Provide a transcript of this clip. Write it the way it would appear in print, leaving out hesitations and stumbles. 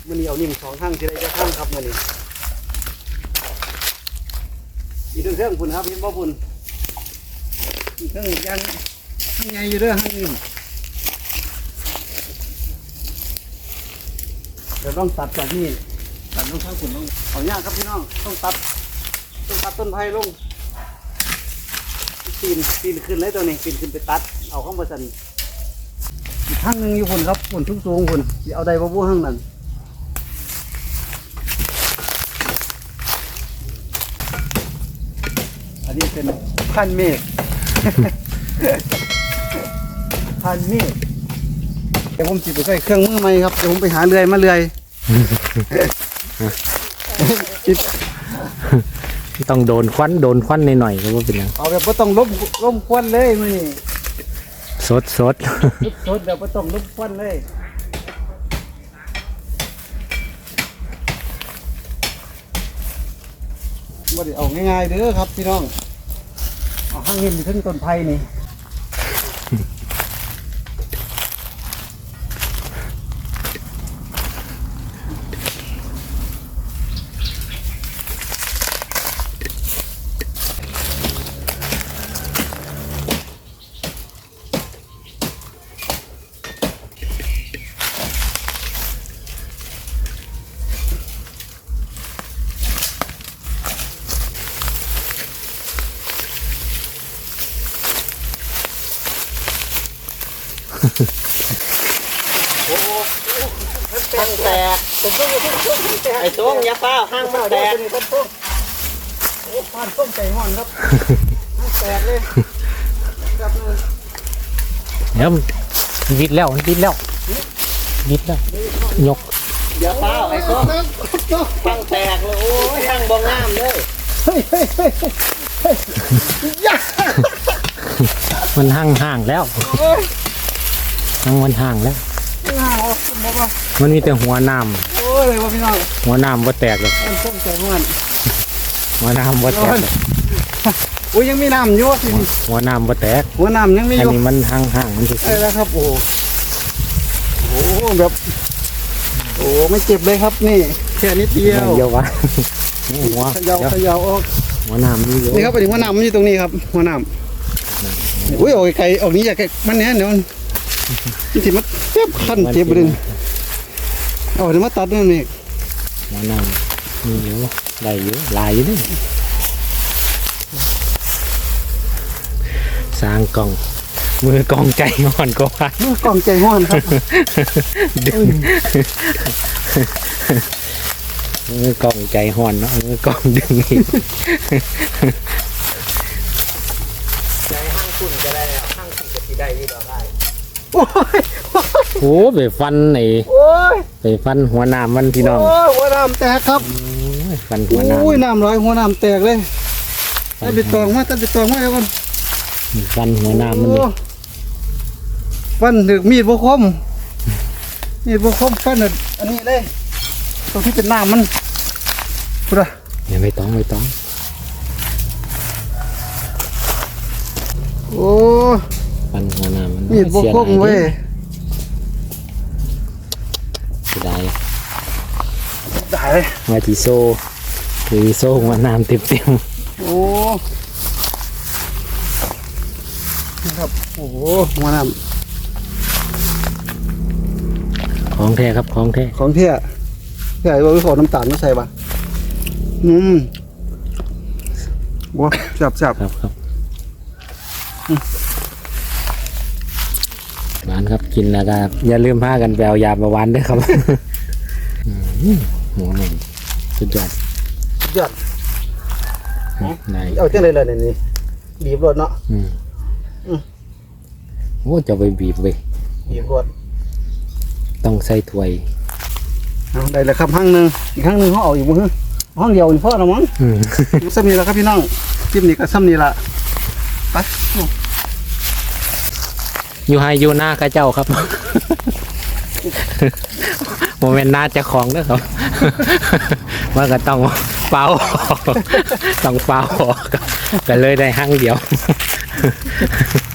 มันนี่เอานิ่ม2ข้างที่ได้จะข้างครับมันนี่อีกเครื่องพุ่นครับเห็นบ่พุ่นอีกเครื่องยังข้างในอยู่เด้อข้างนิ่มเดี๋ยวต้องตัดจากนี่ตัดลงข้างพุ่นลงเอายากครับพี่น้องต้องตัดต้นไผ่ลงปีนขึ้นเลยตัวนี้ปีนขึ้นไปตัดเอาข้างบนสันอีกข้างหนึ่งอยู่พุ่นครับพุ่นสูงพุ่นเอาได้บ่บู้ข้างนั้นอันนี้เป็นพันเมฆ พันเมฆเดี๋ยวผมจิบไปใส่เครื่องมือใหม่ครับเดี๋ยวผมไปหาเลื่อยมาเลื่อยต้องโดนควันหน่อยๆก็ว่าเป็นยังเอาแบบไม่ต้องล้มควันเลยมื้อนี้สดสดแบบไม่ต้องล้มควันเลยว่าเอาง่ายๆเด้อครับพี่น้องเอาข้างนี้มีถึงต้นไผ่นี่ข้างแตกไอ้ช่วงยาเป้าข้างมันแตกโอ้ผ่านต้มไก่ห่อนครับข้างแตกเลยครับเดี๋ยววิดแล้วยกยาเป้าไอ้ช่วงข้างแตกเลยโอ้ยข้างบ่งามเลยมันห่างแล้วมันห่างแล้วมันมีแต่หัวน้ำโอ้ยว่าพี่น้องหัวน้ำว่าแตกหรอกต้มไก่ห่อนหัวน้ำว่าแตกโอ้ยยังมีน้ำอยู่สิหัวน้ำว่าแตกหัวน้ำยังมีอยู่อันนี้มันห่างมันใช่แล้วครับโอ้แบบโอ้ไม่เจ็บเลยครับนี่แค่นิดเดียวเยอะวะหัวเขย่าออกหัวน้ำนี่เยอะนี่ครับไปถึงหัวน้ำมันอยู่ตรงนี้ครับหัวน้ำอุ้ยโอ้ยไก่ออกนี้อยากมันเนี้ยเดี๋ยวที่มันเจ็บขั้นเจ็บดึงเอาเดี๋ยวมาตัดนั่นเองหัวน้ำนี่เยอะได้เยอะลายอยู่นี่สร้างกล่องมือกองใจห่อนก็ว่ามือกองใจห่อนครับดึงมือกองใจห่อนเนาะมือกองดึงใจห้างคุณก็ได้ห้างคุณก็ที่ได้ที่เราได้โอ้ไปฟันไหนไปฟันหัวน้ำมันพี่น้องหัวน้ำแตกครับฟันหัวน้ำโอ้ยน้ำร้อยหัวน้ำแตกเลยตัดไปตองมาแล้วกันฟันหัวน้ำมันฟันถึกมีดบวคมฟันอันนี้เลยตรงที่เป็นน้ำมันพูดอะอย่าไม่ต้องโอ้ฟันหัวน้ำมันมีดบวคมเว้ยได้เลยมาจีโซ่หัวน้ำเต็มโอ้ครับโอ้หัวน้ำของแท้ครับของแท้ใหญ่ว่าขอน้ำตาลไม่ใส่ป่ะว้าจับครับหวานครับกินแล้วก็อย่าลืมพากันแปลยาประวันด้วยครับหัวมันสุดยอดเอาเจ้าเลยนี่บีบรถเนาะโอ้จะไปบีบรถต้องใส่ถ้วยได้แล้วครับห้างหนึ่งอีกห้างหนึ่งเขาเอาอยู่มั้งห้องเดียวนี่พ่อเรามั้งซ้ำนี่แล้วครับพี่น้องจิ้มนี่ก็ซ้ำนี่ละไปอยู่ให้อยู่หน้าข้าเจ้าครับโมเมนต์น่าจะของด้วยครับว่าก็ต้องเป่าก็เลยได้ห้างเดียว